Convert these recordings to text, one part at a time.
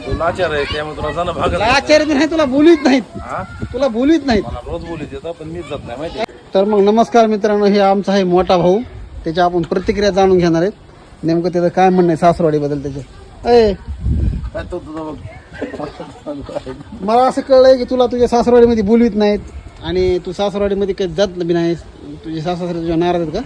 तू लाचार आहे त्यामुळे तुला जाणं भागत नाही. आचार्य नाही, तुला बोलीत नाहीत, हा? तुला बोलीत नाहीत. मला रोज बोलीत येतं पण मीच जात नाही माहिती आहे. तर मग नमस्कार मित्रांनो, हे आमचा आहे मोठा भाऊ. त्याच्या आपण प्रतिक्रिया जाणून घेणार आहेत. नेमकं त्याचं काय म्हणणं आहे सासरवाडीबद्दल त्याचं. अय काय तो तुझा बघ. मला असं कळलंय की तुला तुझ्या सासरवाडीमध्ये बोलवीत नाहीत आणि तू सासरवाडीमध्ये काही जात बी नाहीस. तुझे सासरे तुझ्या नाराज आहेत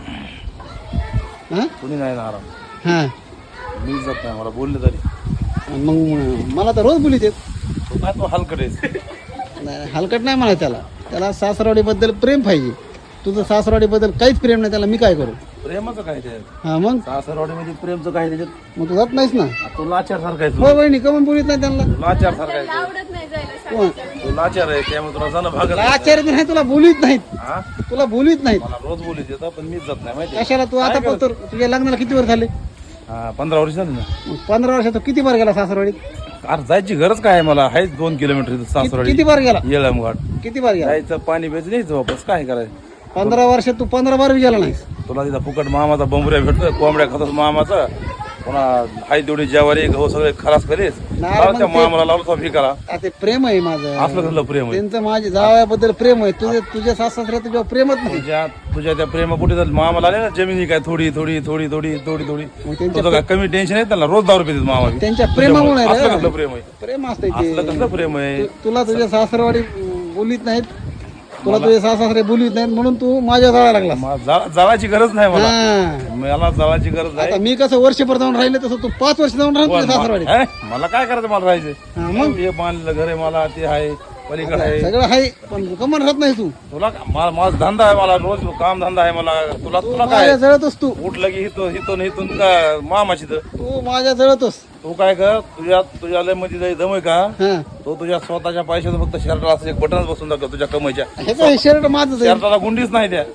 का? हां कुणी नाही नाराज, हां. मीच जात नाही. मला बोलले तरी मग मला तर रोज बोलीत आहेत. तू काय तो हलकट आहेस. नाही, हलकट नाही म्हणा त्याला. त्याला सासरवाडीबद्दल प्रेम पाहिजे. तुझं सासरवाडीबद्दल काहीच प्रेम नाही, त्याला मी काय करू? प्रेमाचं काय त्याच्यात? हां मग सासरवाडीमध्ये प्रेमचं काय त्याच्यात? मग तू जात नाहीस ना. तू लाचार सारखा आहे. हो बहिणी कमून बोलीत नाही त्यांना. तू लाचार सारखा आहे. आवडत नाही जायला. कोण? तू लाचार आहे त्यामुळे तुला जाणं भागत नाही. आचार्य नाही, तुला बोलीत नाहीत, हा? तुला बोलीत नाहीत. मला रोज बोलीत येतं पण मीच जात नाही माहिती आहे. कशाला तू आता पण तुझ्या लग्नाला किती वर्ष झाले? हा 15 वर्ष झाली ना. मग 15 वर्षात तू किती बार गेला सासरवाडीत? अरे जायची गरज काय आहे मला? आहेच 2 किलोमीटर सासरवाडी. किती बार गेला? येळमघाट किती बार गेला? जायचं, पाणी प्यायचं, यायचं वापस. काय करायचं? 15 वर्षात तू 15 बार बी गेला नाहीस. तुला तिथं फुकट मामाचा बंबऱ्या भेटतोय, कोंबड्या खातोस मामाचा. पुन्हा हाय तेवढी ज्वारी गहू सगळे खलास करीस. नाही, मग त्या ते- मामाला लावलं तो फिकाला. आता ते प्रेम आहे माझं. असलं कसलं प्रेम आहे? त्यांचं माझ्या जावयाबद्दल प्रेम आहे. तुझ्या सासऱ्या तुझ्यावर प्रेमच नाही. तुझ्या त्या प्रेमापुढे तर मामाला आले ना जमिनी काय थोडी थोडी थोडी थोडी थोडी थोडी. मग त्यांच्या तुझं काय कमी टेन्शन आहे त्यांना? रोज दारू पितात मामा बी. त्यांच्या प्रेमामुळे रे. असलं कसलं प्रेम आहे? प्रेम असतंय असलं ते. कसलं प्रेम आहे? तुला तुझ्या सासरवाडी बोलीत नाहीत, तुला तुझे सासरे बोलीत नाहीत म्हणून तू माझ्या जाळा लागला. जाळाची गरज नाही मला. हा. मला जाळाची गरज नाही. आता मी कसं वर्षभर जाऊन राहिले तसं तू 5 वर्ष जाऊन राहिला तुझ्या सासरवाडीत. हे? मला काय करायचं? मला हा, राहायचं. मग? हे बांधलेलं घर आहे मला, ते आहे पलीकडे आहे. सगळं आहे पण कमन राहत नाही तू. तुला माझा धंदा आहे, मला रोज काम धंदा आहे मला. तुला तुला काय माझ्या जळतोस तू. उठलं की हिथून हिथून का मामाची तर तू माझ्या जळतोस. तू काय कर, तुझ्या लय मध्ये जाई दम आहे का? हा. तो तुझ्या स्वतःच्या पैशाचं फक्त शर्टाला असं एक बटनच बसून दाखव तुझ्या कमाईच्या. हे काय शर्ट माझंच आहे. शर्टाला गुंडीच नाही त्या.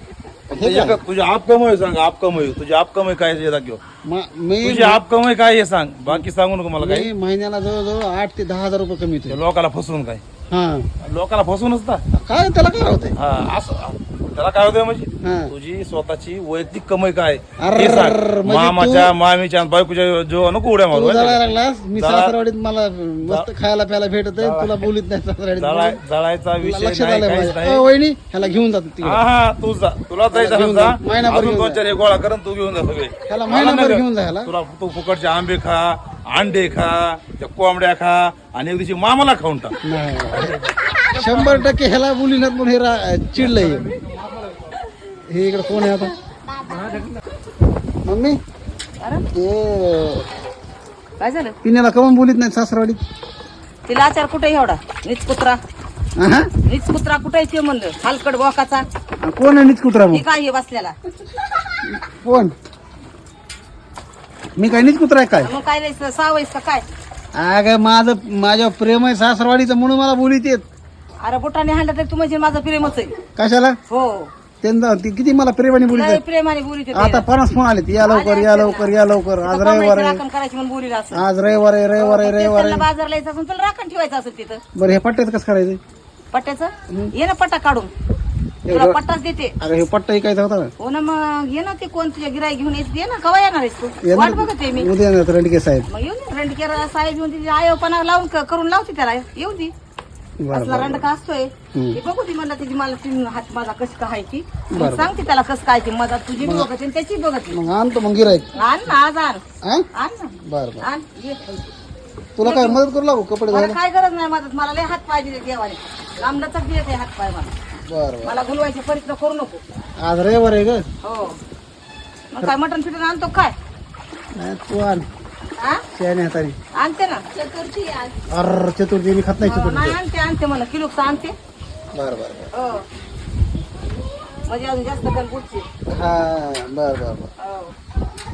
तुझी आप कमाई सांग, आप कमाई. तुझी आप कमाई काय आहे हे दाखव. मी तुझी आप कमाई काय हे सांग, बाकी सांगू नको मला काही. मी महिन्याला जवळजवळ 8 ते 10 हजार रुपये कमी ते येतो. लोकाला फसवून काय? हा. लोकाला फसवूनच ना. काय त्याला काय होतंय? हा, असं त्याला काय होतंय म्हणजे? हा. तुझी स्वतःची वैयक्तिक कमाई काय अरे, हे सांग. म्हणजे मामाच्या मामीच्या बायकोच्या जो नको उड्या मारू. तू जळायला लागलास. मी जळा- सासरवाडीत मला मस्त खायला प्यायला भेटत आहे, तुला बोलीत नाही सासरवाडीत. जळायचा तुला विषय लक्षात नाही, आलंय काहीच माझ्या. नाही. वहिनी ह्याला घेऊन जातो तिकडे. हा हा, तू जा. तुला जायचं घेऊन असेल जा. जा. महिनाभर अजून घेऊन 2-4 हे गोळा कर आणि तू घेऊन जा सगळे. ह्याला महिनाभर घेऊन जा ह्याला. तुला तू फुकटचे आंबे खा, अंडे खा, त्या कोंबड्या खा आणि एक दिवशी मामाला खाऊन टाक. नाही 100% ह्याला बोलीनात म्हणून हे चिडलंय. हे इकडे कोण आहे आता? मम्मी ते काय झालं? पिण्याला कमून बोलीत नाही सासरवाडीत? तिला आचार कुठे एवढा? नीच कुत्रा, हा? नीच कुत्रा कुठे ते म्हणलं? हलकट बोकाचा. कोण आहे नीच कुत्रा? हे मग काय हे बसलेला? कोण? मी काय नीच कुत्रा आहे काय? मग काय रे, सावयस का काय? अगं माझ्या प्रेम आहे सासरवाडीचं म्हणून मला बोलीत येत. अरे बुटाने हाणलं तर तू म्हणजे माझं प्रेमच आहे. कशाला? हो, त्यांना ती किती मला प्रेमाने बोलीत लय आहेत. प्रेमाने बोलीत होते. आता 50 फोन आले. या लवकर या लवकर या लवकर. आज तो रविवार कमाईची आहे. राखण करायची म्हणून बोलीला असं. आज रविवार आहे रविवार आहे रविवार त्यांना आहे. बाजारला यायचं असेल तुला राखण ठेवायचं असेल तिथं. बरं हे पट्ट्यात कसं करायचं? पट्ट्याचं ये ना, पट्टा काढून तुला पट्टाच देते. अगं हे पट्टा ऐकायचा होता हो ना, मग ये ना, ते कोण तुझ्या गिराई घेऊन यायचं ये ना. कवा येणार आहेस तू? का? वाट बघते मी. उद्या येणार रणके साहेब. मग येऊन दे. रंडकेर साहेब येऊन तिथे आयोपणा लावून करून लावते त्याला. येऊ दे. बरं असला बरं रंडका असतोय. हम्म. ते बघू ती म्हणलं तिची मला तीन हात माझा कशी काय ती. बरं. मग सांगते त्याला कसं काय ती मदत तुझी बी बघते आणि त्याची बघते. मग आणतो मग गिराईक. आण ना, आज आण. हा आण ना, बरं बरं. आण. ये. तुला काय मदत करू लागू कपडे मला धुवायला? काय गरज नाही मदत. मला लय हात पाय दिले देवाने. लांबलचक दिले ते हात पाय मला. बरं बरं. मला गुलवायचे प्रयत्न करू नको. आज रविवार आहे ग. हो, मग काय मटण फिटून आणतो काय? नाही, तू आण हा, शहाणे हाताने. आणते ना. चतुर्थी आज. अर चतुर्थी मी खात नाही चतुर्थी. नाही, आणते मला किलोच आणते. बरं बरं हो, म्हणजे अजून जास्त कल पुढची. बरं हा बरं बरं बरं. हो.